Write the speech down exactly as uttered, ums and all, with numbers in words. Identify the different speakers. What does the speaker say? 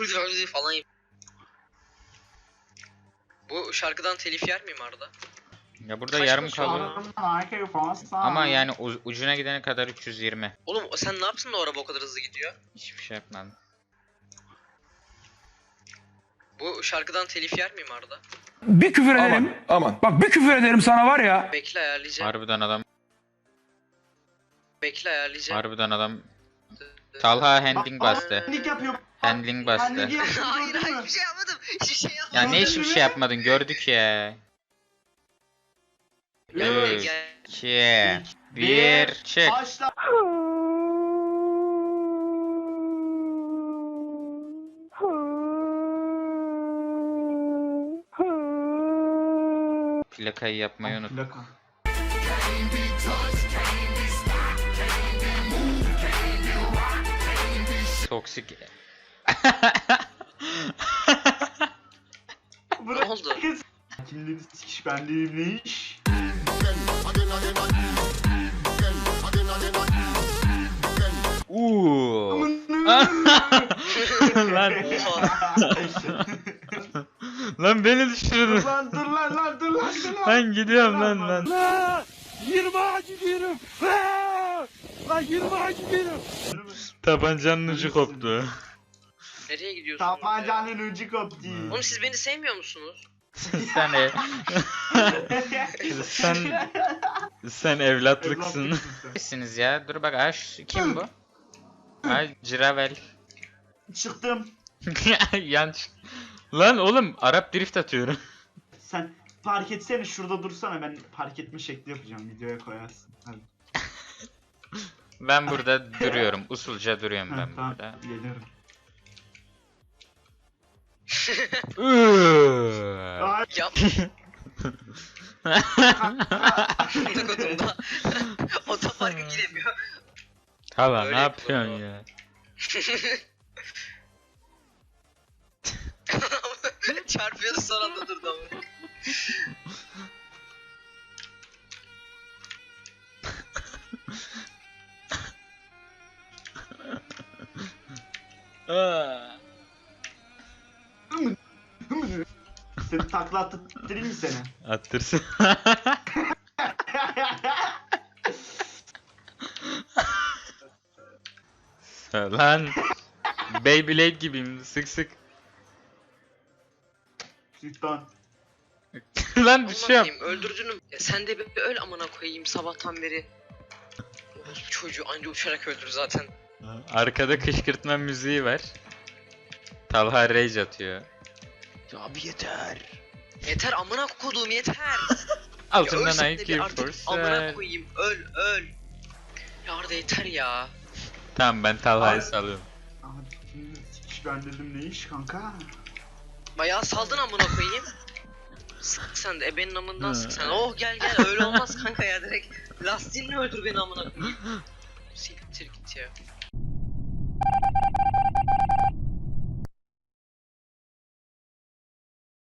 Speaker 1: falan. Bu şarkıdan telif yer miyim Arda?
Speaker 2: Ya burada
Speaker 1: Kaç
Speaker 2: yarım
Speaker 1: basıyor?
Speaker 2: kalıyor. Ama yani ucuna gidene kadar üç yüz yirmi.
Speaker 1: Oğlum sen ne yaptın da o araba o kadar hızlı gidiyor?
Speaker 2: Hiçbir şey yapmadım.
Speaker 1: Bu şarkıdan telif yer miyim Arda?
Speaker 3: Bir küfür ederim.
Speaker 4: Aman.
Speaker 3: Bak bir küfür ederim sana var ya.
Speaker 1: Bekle ayarlayacağım.
Speaker 2: Harbiden adam.
Speaker 1: Bekle ayarlayacağım.
Speaker 2: Harbiden adam. Talha handling bastı.
Speaker 5: Handling yapıyor.
Speaker 2: Handling bastı.
Speaker 5: Handling yapıyor.
Speaker 1: Hayır
Speaker 5: gördün
Speaker 1: hayır
Speaker 5: mü?
Speaker 1: hiçbir şey yapmadım. Hiçbir şey
Speaker 2: Ya
Speaker 1: yapmadım.
Speaker 2: ne hiçbir şey yapmadın gördük ya.
Speaker 1: Gel,
Speaker 2: Üç,
Speaker 1: gel.
Speaker 2: iki, bir, çık.
Speaker 5: Başla.
Speaker 2: Plakayı yapmayı unut.
Speaker 5: Plaka.
Speaker 2: Toksik.
Speaker 1: Ne oldu?
Speaker 5: Kimleri sikiş benliğim ne iş?
Speaker 2: Uuu. Lan.
Speaker 1: Oha.
Speaker 2: Lan beni
Speaker 5: Dur
Speaker 2: düşürdün.
Speaker 5: lan dur lan lan dur lan dur lan.
Speaker 2: Ben gidiyorum lan lan.
Speaker 3: yirmi acı gidiyorum. Lan yirmi acı gidiyorum.
Speaker 2: Tabancanın ucu koptu.
Speaker 1: Nereye gidiyorsun?
Speaker 5: Tabancanın ucu koptu.
Speaker 1: Oğlum siz beni sevmiyor musunuz?
Speaker 2: Sen ev... sen sen evlatlıksın.
Speaker 5: Evlatlıksın sen.
Speaker 2: Sizsiniz ya. Dur bak aş kim bu? Ay Ciravel.
Speaker 5: Çıktım.
Speaker 2: Yan çık- Lan oğlum Arap drift atıyorum.
Speaker 5: Sen park etsene şurada dursana, ben park etme şekli yapacağım, videoya koyarsın. Hadi.
Speaker 2: Ben burada duruyorum. Usulca duruyorum
Speaker 5: Ha,
Speaker 2: ben
Speaker 5: tamam,
Speaker 2: burada.
Speaker 5: geliyorum.
Speaker 2: Iııı.
Speaker 5: Ay,
Speaker 1: Yap. Kodumda. Otoparka giremiyor.
Speaker 2: Hala
Speaker 1: Öyle
Speaker 2: ne yapıyorsun
Speaker 1: yapıyor.
Speaker 2: ya?
Speaker 1: Çarpıyordu son anda durdu ama.
Speaker 5: seni takla attırayım mı seni?
Speaker 2: Attırsın. Lan Beyblade gibiyim sık sık.
Speaker 5: Sultan.
Speaker 2: Lan düşüyorum.
Speaker 1: Anlatayım, öldürdün. Ya sen de bir öl amına koyayım sabahtan beri. Orospu çocuğu anca uçarak öldür zaten.
Speaker 2: Arkada kışkırtma müziği var. Talha rage atıyor. Ya abi yeter.
Speaker 1: Yeter amına koduğum yeter.
Speaker 2: Altından
Speaker 1: ölsen de
Speaker 2: I
Speaker 1: bir
Speaker 2: care
Speaker 1: artık
Speaker 2: for
Speaker 1: amına
Speaker 2: sen.
Speaker 1: koyayım öl öl. Ya Arda yeter ya.
Speaker 2: Tamam ben Talha'yı
Speaker 5: Ay.
Speaker 2: salıyorum.
Speaker 5: Abi kimleri sikiş ben dedim ne iş kanka?
Speaker 1: Bayağı saldın amına koyayım. Sık sen de ebenin amından
Speaker 2: Hı.
Speaker 1: sık sen. Oh gel gel öyle olmaz kanka ya direkt. Lastiğinle öldür beni amına koyayım. Siktir git ya.